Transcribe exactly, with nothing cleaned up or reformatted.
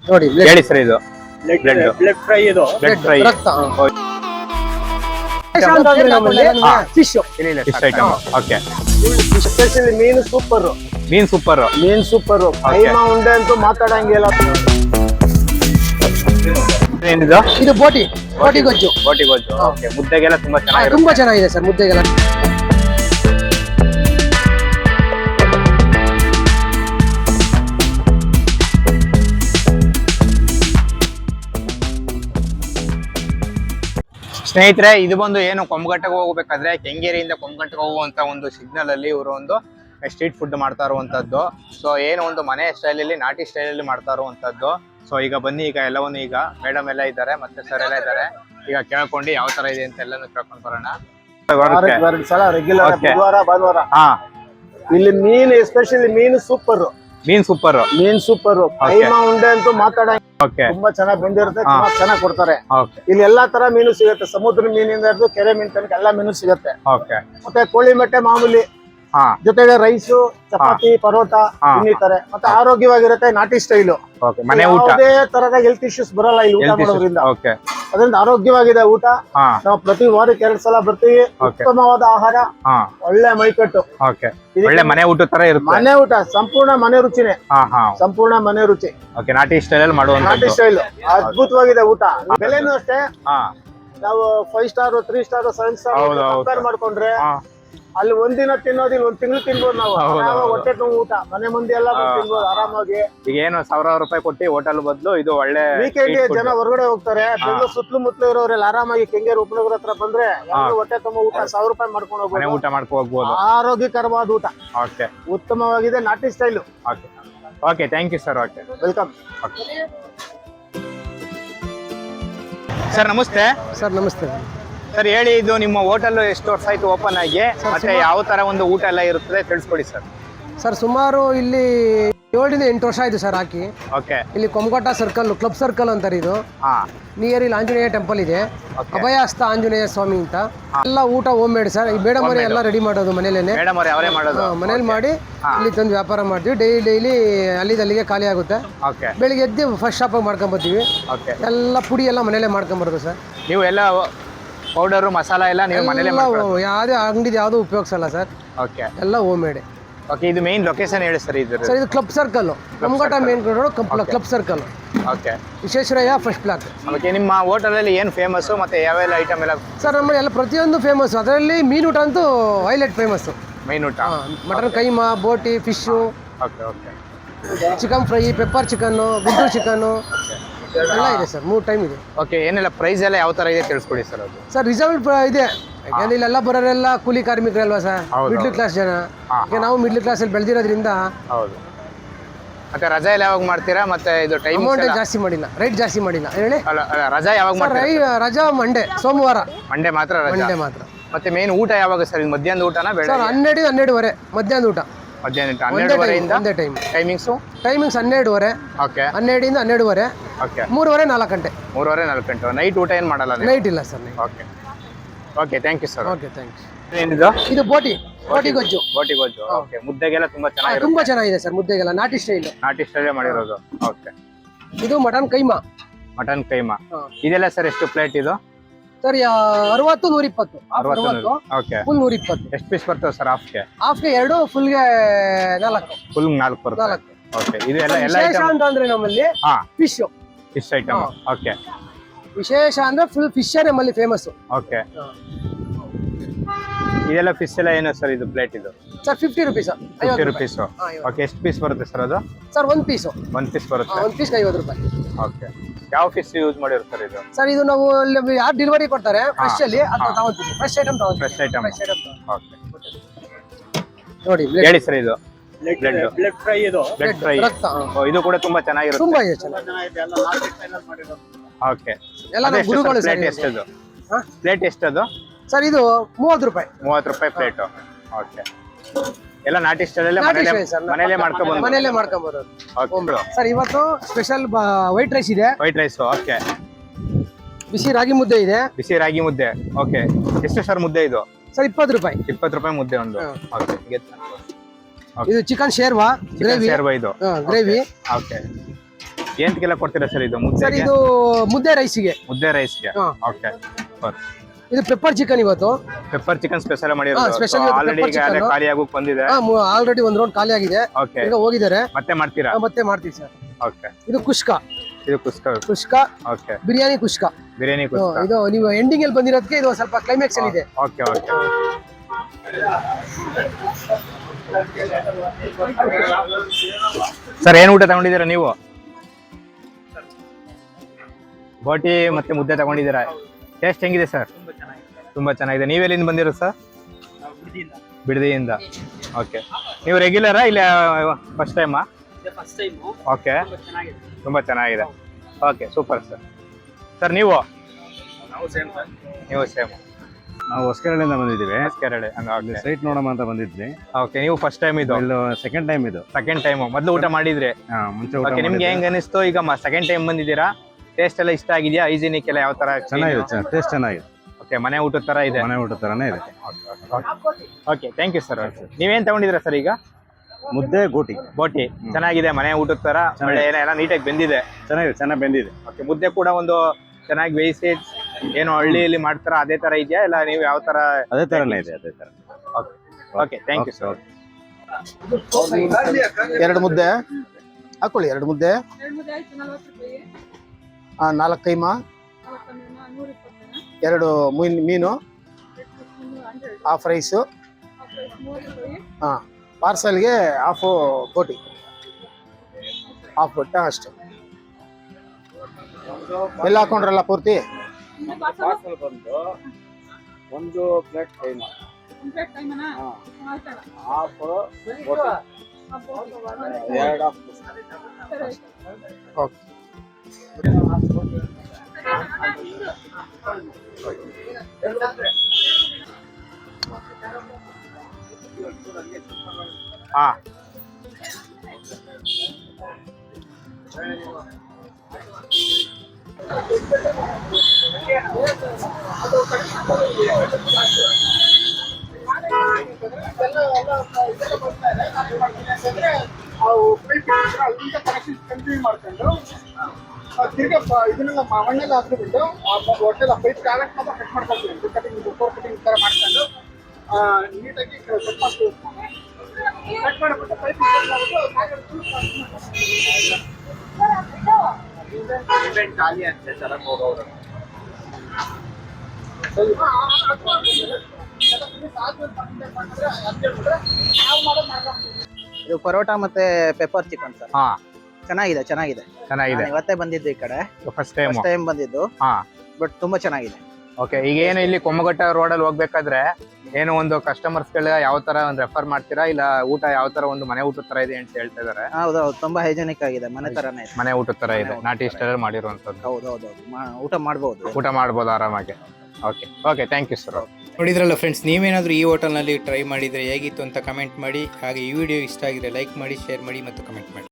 ನೋಡಿ ಹೇಳಿ ಸರ್ ಇದು ಬ್ಲಡ್ ಬ್ಲಡ್ ಫ್ರೈ ಇದು ಬ್ಲಡ್ ಫ್ರೈ ರಕ್ತ fish fish item okay especially ಮೀನು ಸೂಪರ್ ಮೀನ್ ಸೂಪರ್ ಮೀನ್ ಸೂಪರ್ ಕೈಮಾ ಉಂಡೆ ಅಂತೂ ಮಾತಾಡಂಗಿಲ್ಲ. ಏನಿದು ಇದು ಬೋಟಿ ಬೋಟಿ ಗೊಜ್ಜು ಬೋಟಿ ಗೊಜ್ಜು ಓಕೆ ಮುದ್ದೆಗೆಲ್ಲ ತುಂಬಾ ಚೆನ್ನಾಗಿರುತ್ತೆ ತುಂಬಾ ಚೆನ್ನಾಗಿದೆ ಸರ್ ಮುದ್ದೆಗೆಲ್ಲ. ಸ್ನೇಹಿತರೆ ಇದು ಬಂದು ಏನು ಕೊಂಬಘಟ್ಟಕ್ಕೆ ಹೋಗ್ಬೇಕಾದ್ರೆ ಕೆಂಗೇರಿಯಿಂದ ಕೊಂಬಘಟ್ಟಕ್ಕೆ ಹೋಗುವಂತ ಒಂದು ಸಿಗ್ನಲ್ ಅಲ್ಲಿ ಇವರು ಒಂದು ಸ್ಟ್ರೀಟ್ ಫುಡ್ ಮಾಡ್ತಾ ಇರುವಂತದ್ದು. ಸೊ ಏನು ಒಂದು ಮನೆ ಸ್ಟೈಲಲ್ಲಿ ನಾಟಿ ಸ್ಟೈಲಲ್ಲಿ ಮಾಡ್ತಾ ಇರುವಂತದ್ದು. ಸೊ ಈಗ ಬನ್ನಿ ಈಗ ಎಲ್ಲವನ್ನು ಈಗ ಮೇಡಮ್ ಎಲ್ಲ ಇದ್ದಾರೆ ಮತ್ತೆ ಸರ್ ಎಲ್ಲ ಇದ್ದಾರೆ. ಈಗ ಕೇಳ್ಕೊಂಡು ಯಾವ ತರ ಇದೆ ಅಂತ ಎಲ್ಲಾನು ಕೇಳ್ಕೊಂಡು ಬರೋಣ. ಎರಡು ಸಲ ರೆಗ್ಯುಲರ್ ಬುಧವಾರ ಭಾನುವಾರ. ಹಾ ಇಲ್ಲಿ ಮೀನು ಎಸ್ಪೆಷಲಿ ಮೀನು ಸೂಪರ್ ಮೀನ್ ಸೂಪರ್ ಮೀನ್ ಸೂಪರ್ ಕೈಮಾ ಉಂಡೆ ಅಂತೂ ಮಾತಾಡಂಗಿಲ್ಲ. ಓಕೆ ತುಂಬಾ ಚೆನ್ನಾಗಿ ಬೆಂದಿರುತ್ತೆ, ತುಂಬಾ ಚೆನ್ನಾಗಿ ಕೊಡ್ತಾರೆ. ಓಕೆ ಇಲ್ಲಿ ಎಲ್ಲಾ ತರ ಮೀನು ಸಿಗುತ್ತೆ, ಸಮುದ್ರ ಮೀನಿಂದ ಹಿಡಿದು ಕೆರೆ ಮೀನ್ ತನಕ ಎಲ್ಲಾ ಮೀನು ಸಿಗುತ್ತೆ. ಓಕೆ ಮತ್ತೆ ಕೋಳಿ ಮೊಟ್ಟೆ ಮಾಮೂಲಿ, ಹಾ ಜೊತೆಗೆ ರೈಸು, ಚಪಾತಿ, ಪರೋಟ ಇನ್ನಿತಾರೆ. ಮತ್ತೆ ಆರೋಗ್ಯವಾಗಿರುತ್ತೆ, ನಾಟಿ ಸ್ಟೈಲು. ಓಕೆ ಮನೆ ಊಟ ಯಾವುದೇ ತರದ ಹೆಲ್ತ್ ಇಶ್ಯೂಸ್ ಬರಲ್ಲ ಇಲ್ಲಿ ಊಟ ಮಾಡೋದ್ರಿಂದ. ಓಕೆ ಅದರಿಂದ ಆರೋಗ್ಯವಾಗಿದೆ ಊಟ. ಹಾ ನಾವು ಪ್ರತಿ ವಾರಕ್ಕೆ ಎರಡ್ ಸಲ ಬರ್ತೀವಿ. ಉತ್ತಮವಾದ ಆಹಾರ, ಹಾ ಒಳ್ಳೆ ಮೈಕಟ್ಟು, ಓಕೆ ಒಳ್ಳೆ ಮನೆ ಊಟ ತರ ಇರುತ್ತೆ. ಮನೆ ಊಟ ಸಂಪೂರ್ಣ ಮನೆ ರುಚಿನೇ. ಹಾ ಹಾ ಸಂಪೂರ್ಣ ಮನೆ ರುಚಿ. ಓಕೆ ನಾಟಿ ಸ್ಟೈಲ್ ಅಲ್ಲಿ ಮಾಡುವಂತ ನಾಟಿ ಸ್ಟೈಲ್ ಅದ್ಭುತವಾಗಿದೆ ಊಟ. ಬೆಲೆನೂ ಅಷ್ಟೇ. ಹಾ ನಾವು five star three star seven star ಹೌದು, ಹೌದು. ಕಂಪೇರ್ ಮಾಡ್ಕೊಂಡ್ರೆ ಹಾ ಅಲ್ಲಿ ಒಂದಿನ ತಿನ್ನೋದಿಲ್ಲ, ಒಂದ್ ತಿಂಗಳು ತಿನ್ಬೋದು ನಾವು. ಹೌದು, ಆರಾಮಾಗಿ ಹೌದು. ಹೊಟ್ಟೆ ತುಂಬ ಊಟ, ಮನೆ ಮಂದಿ ಎಲ್ಲ ಬಂದು ತಿನ್ಬೋದು ಆರಾಮಾಗಿ. ಈಗ ಏನು ಸಾವಿರಾರು ರೂಪಾಯಿ ಕೊಟ್ಟು ಹೋಟೆಲ್ ಬದಲು ಇದು ಒಳ್ಳೆ ವೀಕೆಂಡ್ street food. ಜನ ಹೊರಗಡೆ ಹೋಗ್ತಾರೆ, ಬೆಂಗಳೂರು ಸುತ್ತಲೂ ಮುತ್ತಲು ಇರೋರೆಲ್ಲ ಆರಾಮಾಗಿ ಕೆಂಗೇರಿ ಉಪನಗರ ಹತ್ರ ಬಂದ್ರೆ ಎಲ್ಲರೂ ಹೊಟ್ಟೆ ತುಂಬ ಊಟ ಸಾವಿರ ರೂಪಾಯಿ ಮಾಡ್ಕೊಂಡು ಮನೆ ಹೋಗ್ಬೋದು. ಊಟ ಮಾಡ್ಕೊ ಹೋಗ್ಬೋದು. ಆರೋಗ್ಯಕರವಾದ ಊಟ, ಓಕೆ ಉತ್ತಮವಾಗಿದೆ, ನಾಟಿ style. Okay okay thank you sir. Okay welcome. Sir namaste. Sir namaste. Sir ಹೇಳಿ, ಇದು ನಿಮ್ಮ ಹೋಟೆಲ್ ಎಷ್ಟು ವರ್ಷ ಆಯ್ತು ಓಪನ್ ಆಗಿ, ಮತ್ತೆ ಯಾವ ತರ ಒಂದು ಊಟ ಎಲ್ಲ ಇರುತ್ತದೆ ತಿಳಿಸ್ಕೊಡಿ ಸರ್. ಸರ್ ಸುಮಾರು ಇಲ್ಲಿ ಏಳರಿಂದ ಎಂಟು ವರ್ಷ ಆಯ್ತು ಸರ್ ಹಾಕಿ. ಓಕೆ ಇಲ್ಲಿ ಕೊಂಬಘಟ್ಟ ಸರ್ಕಲ್ ಕ್ಲಬ್ ಸರ್ಕಲ್ ಅಂತಾರೆ. ಇದು ಹಾ ನಿಯರ್ ಇಲ್ಲಿ ಆಂಜನೇಯ ಟೆಂಪಲ್ ಇದೆ, ಅಭಯಹಸ್ತ ಆಂಜನೇಯ ಸ್ವಾಮಿ ಅಂತ. ಎಲ್ಲ ಊಟ ಹೋಮ್ ಮೇಡ್ ಸರ್. ಈ ಬೇಡ ಮರಿ ಎಲ್ಲ ರೆಡಿ ಮಾಡೋದು ಮನೇಲೇನೆ, ಮೇಡಮ್ ಅವ್ರೆ ಅವರೇ ಮಾಡೋದು. ಮನೇಲಿ ಮಾಡಿ ಇಲ್ಲಿ ತಂದು ವ್ಯಾಪಾರ ಮಾಡ್ತೀವಿ. ಡೈಲಿ ಡೈಲಿ ಅಲ್ಲಿಂದ ಅಲ್ಲಿಗೆ ಖಾಲಿ ಆಗುತ್ತೆ. ಓಕೆ ಬೆಳಿಗ್ಗೆ ಎದ್ದು ಫಸ್ಟ್ ಶಾಪಾಗಿ ಮಾಡ್ಕೊಂಬರ್ತೀವಿ. ಓಕೆ ಎಲ್ಲ ಪುಡಿ ಎಲ್ಲ ಮನೇಲೆ ಮಾಡ್ಕೊಂಬರೋದು ಸರ್. ನೀವು ಎಲ್ಲ ಪೌಡರು ಮಸಾಲ ಎಲ್ಲ ನೀವು ಮನೇಲೆ ಮಾಡ್ಕೊಳ್ಳೋದು? ಯಾವುದೇ ಅಂಗಡಿ ಯಾವುದು ಉಪಯೋಗಿಸಲ್ಲ ಸರ್, ಓಕೆ ಎಲ್ಲ ಹೋಮ್ ಮೇಡ್. ಓಕೆ ಇದು ಮೇನ್ ಲೊಕೇಶನ್ ಹೇಳಿ ಸರ್ ಇದು. ಸರ್ ಇದು club circle, Kombaghatta main road club circle, okay Visvesvaraya first block. Okay ನಿಮ್ಮ ಹೋಟೆಲಲ್ಲಿ ಏನು ಫೇಮಸ್ಸು ಮತ್ತೆ ಯಾವೆಲ್ಲ ಐಟಮ್ ಎಲ್ಲ ಸರ್ ನಮ್ಮಲ್ಲಿ ಎಲ್ಲ ಪ್ರತಿಯೊಂದು ಫೇಮಸ್. ಅದರಲ್ಲಿ ಮೀನು ಊಟ ಅಂತೂ ಹೈಲೈಟ್ ಫೇಮಸ್ಸು. ಮೈನ್ ಊಟ ಮಟನ್ ಕೈಮಾ, ಬೋಟಿ, fish, okay okay chicken fry, pepper chicken, Guntur chicken ಎಲ್ಲ ಇದೆ ಸರ್. ಮೂರು ಟೈಮ್ ಇದೆ. ಓಕೆ ಏನೆಲ್ಲ ಪ್ರೈಸ್ ಎಲ್ಲ ಯಾವ ಥರ ಇದೆ ತಿಳಿಸ್ಕೊಡಿ ಸರ್ ಅದು. ಸರ್ ರಿಸರ್ವ್ ಇದೆ, ಯಾಕಂದ್ರೆ ಇಲ್ಲೆಲ್ಲ ಬರೋರೆಲ್ಲ ಕೂಲಿ ಕಾರ್ಮಿಕರಲ್ವಾ ಸರ್, ಹೌದು, ಮಿಡ್ಲ್ ಕ್ಲಾಸ್ ಜನ. ಈಗ ನಾವು ಮಿಡ್ಲ್ ಕ್ಲಾಸಲ್ಲಿ ಬೆಳೆದಿರೋದ್ರಿಂದ ಹೌದು. ಮತ್ತೆ ರಜಾ ಎಲ್ಲ ಯಾವಾಗ ಮಾಡ್ತೀರಾ? ಮತ್ತೆ ಇದು ಟೈಮ್ ಅಮೌಂಟ್ ಜಾಸ್ತಿ ಮಾಡಿಲ್ಲ, ರೈಟ್ ಜಾಸ್ತಿ ಮಾಡಿಲ್ಲ. ಹೇಳಿ ಅಲ್ಲ ಅಲ್ಲ, ರಜಾ ಯಾವಾಗ ಸರ್. ಮಾಡ್ತೀರಾ? ರೈ ರಜಾ ಮಂಡೇ, ಸೋಮವಾರ ಮಂಡೇ ಮಾತ್ರ ರಜಾ. ಮಂಡೇ ಮಾತ್ರ. ಮತ್ತೆ ಮೇನ್ ಊಟ ಯಾವಾಗ ಸರ್? ಇದು ಮಧ್ಯಾಹ್ನದ ಊಟನಾ ಸರ್ ಬೆಳಗ್ಗೆ? ಹನ್ನೆರಡು ಹನ್ನೆರಡುವರೆ ಮಧ್ಯಾಹ್ನ ಊಟ. ಮಧ್ಯಾಹ್ನ ಊಟ ಹನ್ನೆರಡುವರೆಯಿಂದ ಒಂದೇ ಟೈಮ್. ಟೈಮಿಂಗ್ಸು ಟೈಮಿಂಗ್ಸ್ ಹನ್ನೆರಡುವರೆ, ಓಕೆ ಹನ್ನೆರಡಿಂದ ಹನ್ನೆರಡುವರೆ, ಓಕೆ ಮೂರುವರೆ ನಾಲ್ಕು ಗಂಟೆ. ಮೂರುವರೆ ನಾಲ್ಕು ಗಂಟೆ. ನೈಟ್ ಊಟ ಏನು ಮಾಡಲ್ಲ ನೀವು? ನೈಟ್ ಇಲ್ಲ sir. Okay okay thank you sir. Okay thanks. ಏನಿದು? ಇದು ಬೋಟಿ ಬೋಟಿ ಗೊಜ್ಜು. ಬೋಟಿ ಗೊಜ್ಜು ಓಕೆ. ಮುದ್ದೆಗೆಲ್ಲ ತುಂಬಾ ಚೆನ್ನಾಗಿರುತ್ತೆ. ತುಂಬಾ ಚೆನ್ನಾಗಿದೆ ಸರ್ ಮುದ್ದೆಗೆಲ್ಲ, ನಾಟಿ ಸ್ಟೈಲ್. ನಾಟಿ ಸ್ಟೈಲೇ ಮಾಡಿರೋದು. ಓಕೆ ಇದು ಮಟನ್ ಕೈಮಾ. ಮಟನ್ ಕೈಮಾ ಇದೆಲ್ಲ ಸರ್ ಎಷ್ಟು ಪ್ಲೇಟ್ ಇದು? ಸರ್ ಅರವತ್ತು ನೂರ ಇಪ್ಪತ್ತು. ಅರವತ್ತು ಓಕೆ. ಫುಲ್ ನೂರ ಇಪ್ಪತ್ತು. ಎಷ್ಟು ಪೀಸ್ ಬರ್ತವೆ ಸರ್ ಹಾಫ್ಗೆ? ಹಾಫ್ಗೆ ಎರಡು, ಫುಲ್ಗೆ ನಾಲ್ಕು. ಫುಲ್ ನಾಲ್ಕು ಬರುತ್ತೆ. ನಾಲ್ಕು. ಓಕೆ ಇದು ಎಲ್ಲ ಎಲ್ಲ ವಿಶೇಷ ಐಟಮ್ ಅಂತ ಅಂದ್ರೆ ನಮ್ಮಲ್ಲಿ ಹಾ ಫಿಶ್ ಫಿಶ್ ಐಟಮ್. ಓಕೆ ವಿಶೇಷ ಅಂದ್ರೆ ಫುಲ್ ಫಿಶ್ ನಮ್ಮಲ್ಲಿ ಫೇಮಸ್. ಓಕೆ ಇದೆಲ್ಲ ಫಿಶ್ ಎಲ್ಲ ಏನು ಸರ್ ಇದು ಪ್ಲೇಟ್ ಇದು? Sir fifty rupees. Fifty rupees. Okay ಎಷ್ಟು ಪೀಸ್ ಬರುತ್ತೆ ಸರ್ ಅದು? ಸರ್ ಒಂದ್ ಪೀಸು. ಒಂದ್ ಪೀಸ್ ಬರುತ್ತೆ. ಒಂದ್ ಪೀಸ್ ಐವತ್ತು ರೂಪಾಯಿ. ಓಕೆ ಯಾವ ಫಿಶ್ ಯೂಸ್ ಮಾಡಿರೋ ಸರ್ ಇದು? ಸರ್ ಇದು ನಾವು ಯಾರು ಡೆಲಿವರಿ ಕೊಡ್ತಾರೆ ಫ್ರೆಶ್ ಅಲ್ಲಿ ಅದು ತಗೊಂತೀವಿ. ಫ್ರೆಶ್ ಐಟಮ್ ತಗೊಂತೀವಿ. Fresh item. ಓಕೆ ನೋಡಿ ಹೇಳಿ ಸರ್ ಇದು. ಬ್ಲಡ್ ಬ್ಲಡ್ ಫ್ರೈ ಇದು. Blood fry. ರಕ್ತ. ಇದು ಕೂಡ ತುಂಬಾ ಚೆನ್ನಾಗಿರುತ್ತೆ. ತುಂಬಾ ಇದೆ ಚೆನ್ನಾಗಿ. ಓಕೆ ಎಲ್ಲ ನಮ್ಮ ಗುರುಗಳು ಸರ್. ಪ್ಲೇಟ್ ಎಷ್ಟದು? ಪ್ಲೇಟ್ ಎಷ್ಟದು ಸರ್? ಇದು ಮೂವತ್ತು ರೂಪಾಯಿ. ಮೂವತ್ತು ರೂಪಾಯಿ ಪ್ಲೇಟ್. ಓಕೆ ಎಲ್ಲ ನಾಟಿ ಸ್ಟೈಲಲ್ಲೇ ನಾಟಿ ಮನೇಲೆ ಸ್ಟೈಲ್ ಸರ್. ಮನೇಲೆ ಮಾಡ್ಕೊಂಡು ಮನೇಲೆ ಮಾಡ್ಕೊಂಬೋದು. ಓಕೆ ಸರ್ ಇವತ್ತು ಸ್ಪೆಷಲ್ ವೈಟ್ ರೈಸ್ ಇದೆ. White rice. ಓಕೆ ಬಿಸಿ ರಾಗಿ ಮುದ್ದೆ ಇದೆ. ಬಿಸಿ ರಾಗಿ ಮುದ್ದೆ. ಓಕೆ ಎಷ್ಟು ಸರ್ ಮುದ್ದೆ ಇದು? ಸರ್ ಇಪ್ಪತ್ತು ರೂಪಾಯಿ. ಇಪ್ಪತ್ತು ರೂಪಾಯಿ ಮುದ್ದೆ ಒಂದು. ಓಕೆ ಇದು ಚಿಕನ್ ಶೇರ್ವಾ ಗ್ರೇವಿ. ಶೇರ್ವಾ ಇದು ಗ್ರೇವಿ. ಓಕೆ ಎಂತಕ್ಕೆಲ್ಲ ಕೊಡ್ತೀರಾ ಸರ್ ಇದು ಸರ್ ಮುದ್ದೆ ಇದು ಮುದ್ದೆ ರೈಸಿಗೆ. ಮುದ್ದೆ ರೈಸ್ಗೆ ಹಾ. ಓಕೆ ಇದು ಪೆಪ್ಪರ್ ಚಿಕನ್ ಇವತ್ತು. ಪೆಪ್ಪರ್ ಚಿಕನ್ ಸ್ಪೆಷಲ್ ಹಾ, ಮಾಡಿರೋದು special ಇವತ್ತು ಆಲ್ರೆಡಿ pepper ಈಗ ಅದೇ chicken. ಖಾಲಿ ಆಗೋಕ್ ಬಂದಿದೆ. ಆಲ್ರೆಡಿ ಒಂದ್ ರೌಂಡ್ ಖಾಲಿ ಆಗಿದೆ, ಓಕೆ ಈಗ ಹೋಗಿದ್ದಾರೆ. ಮತ್ತೆ ಮಾಡ್ತೀರಾ? ಆ, ಮತ್ತೆ ಮಾಡ್ತೀವಿ ಸರ್. ಓಕೆ ಇದು ಕುಷ್ಕ. ಇದು ಕುಸ್ಕ. ಕುಷ್ಕ ಓಕೆ ಬಿರಿಯಾನಿ ಕುಷ್ಕ. ಬಿರಿಯಾನಿ ಹ್ಮ್, ಕುಸ್ಕ. ಇದು ನೀವು ಎಂಡಿಂಗ್ ಅಲ್ಲಿ ಬಂದಿರೋದಕ್ಕೆ ಇದು ಸ್ವಲ್ಪ ಕ್ಲೈಮ್ಯಾಕ್ಸ್ ಅಲ್ಲಿ ಇದೆ. ಓಕೆ ಓಕೆ ಸರ್ ಏನ್ ಊಟ ತಗೊಂಡಿದ್ದೀರಾ ನೀವು? ಬೋಟಿ ಮತ್ತೆ ಮುದ್ದೆ ತಗೊಂಡಿದ್ದೀರಾ. ಟೇಸ್ಟ್ ಹೆಂಗಿದೆ ಸರ್? ತುಂಬಾ ಚೆನ್ನಾಗಿದೆ. ನೀವೆಲ್ಲಿಂದ ಬಂದಿರೋ ಸರ್? ಬಿಡದಿಯಿಂದ. ಓಕೆ, ನೀವು ರೆಗ್ಯುಲರಾ ಇಲ್ಲ ಫಸ್ಟ್ ಟೈಮಾ? ಓಕೆ, ತುಂಬಾ ಚೆನ್ನಾಗಿದೆ. Okay, super sir. ಸರ್ ನೀವು? ನೀವು ಸೇಮ್. ನಾವು ಹೊಸಕೆರಳಿಂದ ಬಂದಿದ್ದೀವಿ. ಕೆರಳೆ ಸೈಟ್ ನೋಡೋಣ ಅಂತ ಬಂದಿದ್ವಿ. ಓಕೆ, ನೀವು ಫಸ್ಟ್ ಟೈಮ್ ಇದು? ಇದು ಸೆಕೆಂಡ್ ಟೈಮ್ ಇದು. Second time. ಮೊದಲು ಊಟ ಮಾಡಿದ್ರಿ? ಹಾ, ಮುಂಚೆ ಊಟ ಓಕೆ, ನಿಮ್ಗೆ ಹೆಂಗ್ ಅನಿಸ್ತು ಈಗ ಸೆಕೆಂಡ್ ಟೈಮ್ ಬಂದಿದ್ದೀರಾ? ಟೇಸ್ಟ್ ಎಲ್ಲ ಇಷ್ಟ ಆಗಿದೆಯಾ? ಹೈಜಿನಿಕ್ ಎಲ್ಲ ಯಾವ ತರ? ಚೆನ್ನಾಗಿದೆ, ಟೇಸ್ಟ್ ಚೆನ್ನಾಗಿದೆ. ಓಕೆ, ಮನೆ ಊಟದ ತರ ಇದೆ. ಮನೆ ಊಟ ತರನೇ ಇದೆ. Okay, thank you sir. ನೀವೇನ್ ತಗೊಂಡಿದ್ದೀರಾ ಸರ್ ಈಗ? ಮುದ್ದೆ ಗೋಟಿ. ಬೋಟಿ ಚೆನ್ನಾಗಿದೆ, ಮನೆ ಊಟದ ತರ. ಒಳ್ಳೆ ಏನೋ ಎಲ್ಲ ನೀಟಾಗಿ ಬೆಂದಿದೆ. ಚೆನ್ನಾಗಿದೆ, ಚೆನ್ನಾಗಿ ಬೆಂದಿದೆ. ಓಕೆ, ಮುದ್ದೆ ಕೂಡ ಒಂದು ಚೆನ್ನಾಗಿ ಬೇಯಿಸಿ ಏನು ಹಳ್ಳಿಯಲ್ಲಿ ಮಾಡ್ತಾರ ಅದೇ ತರ ಇದೆಯಾ ಇಲ್ಲ ನೀವು ಯಾವ ತರ? ಅದೇ ತರನೇ ಇದೆ, ಅದೇ ತರ. Okay, thank you sir. ಎರಡು ಮುದ್ದೆ ಹಾಕೊಳ್ಳಿ. ಎರಡು ಮುದ್ದೆ, ಆ, ನಾಲ್ಕು ಕೈಮಾ, ಎರಡು ಮೀನ್ ಮೀನು, ಹಾಫ್ ರೈಸು, ಹಾಂ, ಪಾರ್ಸಲ್ಗೆ ಹಾಫು ಬೋಟಿ, ಹಾಫ್ ಬೋಟ ಅಷ್ಟೇ. ಎಲ್ಲ ಹಾಕೊಂಡ್ರಲ್ಲ ಪೂರ್ತಿ? ಪಾರ್ಸಲ್ ಬಂದು ಒಂದು ಪ್ಲೇಟ್ ಕೈಮಾ, ಹಾಫ್ ಬೋಟಿ, ಎರಡು ಹಾಫ್. ಓಕೆ. ಹಾ, ತಿರ್ಗಾ ಇದನ್ನೆಲ್ಲ ಮಣ್ಣೆಲ್ಲ ಹಾಕ್ಬಿಟ್ಟು ಹೊಟ್ಟೆಲ್ಲ ಪೈಪ್ ಕಾಲಕ್ಕೆ ಮಾತ್ರ ಕಟ್ ಮಾಡ್ಕೊಳ್ತೀವಿ. ಕಟಿಂಗ್ ಫೋರ್ ಕಟಿಂಗ್ ಥರ ಮಾಡ್ಕೊಂಡು ನೀಟಾಗಿ ಕಟ್ ಮಾಡ್ತೀವಿ. ಕಟ್ ಮಾಡಿಬಿಟ್ಟು ಪೈಪ್ ಖಾಲಿ ಅಂತ ಚೆನ್ನಾಗಿ ಹೋಗೋರು. ಇದು ಪರೋಟ ಮತ್ತೆ ಪೆಪ್ಪರ್ ಚಿಕನ್ ಸರ್. ಹಾ, ಚೆನ್ನಾಗಿದೆ, ಚೆನ್ನಾಗಿದೆ. ಚೆನ್ನಾಗಿದೆ. ನಾನು ಇವತ್ತೇ ಬಂದಿದ್ದು ಈ ಕಡೆ, ಫಸ್ಟ್ ಟೈಮ್. ಫಸ್ಟ್ ಟೈಮ್ ಬಂದಿದ್ದು. ಹಾ, ಬಟ್ ತುಂಬಾ ಚೆನ್ನಾಗಿದೆ. ಓಕೆ, ಈಗ ಏನು ಇಲ್ಲಿ ಕೊಮ್ಮಘಟ್ಟ ರೋಡ್ ಅಲ್ಲಿ ಹೋಗ್ಬೇಕಾದ್ರೆ ಏನು ಒಂದು ಕಸ್ಟಮರ್ಸ್ ಗಳ ಯಾವ ತರ ಒಂದು ರೆಫರ್ ಮಾಡ್ತೀರಾ ಇಲ್ಲ ಊಟ ಯಾವ ತರ ಒಂದು ಮನೆ ಊಟದ ತರ ಇದೆ ಅಂತ ಹೇಳ್ತಾ ಇದಾರೆ? ಹೌದೌದು, ತುಂಬಾ ಹೈಜೆನಿಕ್ ಆಗಿದೆ, ಮನೆ ತರನೇ ಇದೆ. ಮನೆ ಊಟದ ತರ ಇದೆ, ನಾಟಿ ಸ್ಟೈಲ್ ಮಾಡಿರುವಂತದ್ದು. ಹೌದೌದು, ಊಟ ಮಾಡಬಹುದು. ಊಟ ಮಾಡ್ಬೋದು ಆರಾಮಾಗಿ. Okay okay, thank you sir. ನೋಡಿದ್ರಲ್ಲ ಫ್ರೆಂಡ್ಸ್, ನೀವೇನಾದರೂ ಈ ಹೋಟೆಲ್ನಲ್ಲಿ ಟ್ರೈ ಮಾಡಿದರೆ ಹೇಗಿತ್ತು ಅಂತ ಕಮೆಂಟ್ ಮಾಡಿ. ಹಾಗೆ ಈ ವಿಡಿಯೋ ಇಷ್ಟ ಆಗಿದ್ರೆ ಲೈಕ್ ಮಾಡಿ, ಶೇರ್ ಮಾಡಿ ಮತ್ತು ಕಮೆಂಟ್ ಮಾಡಿ.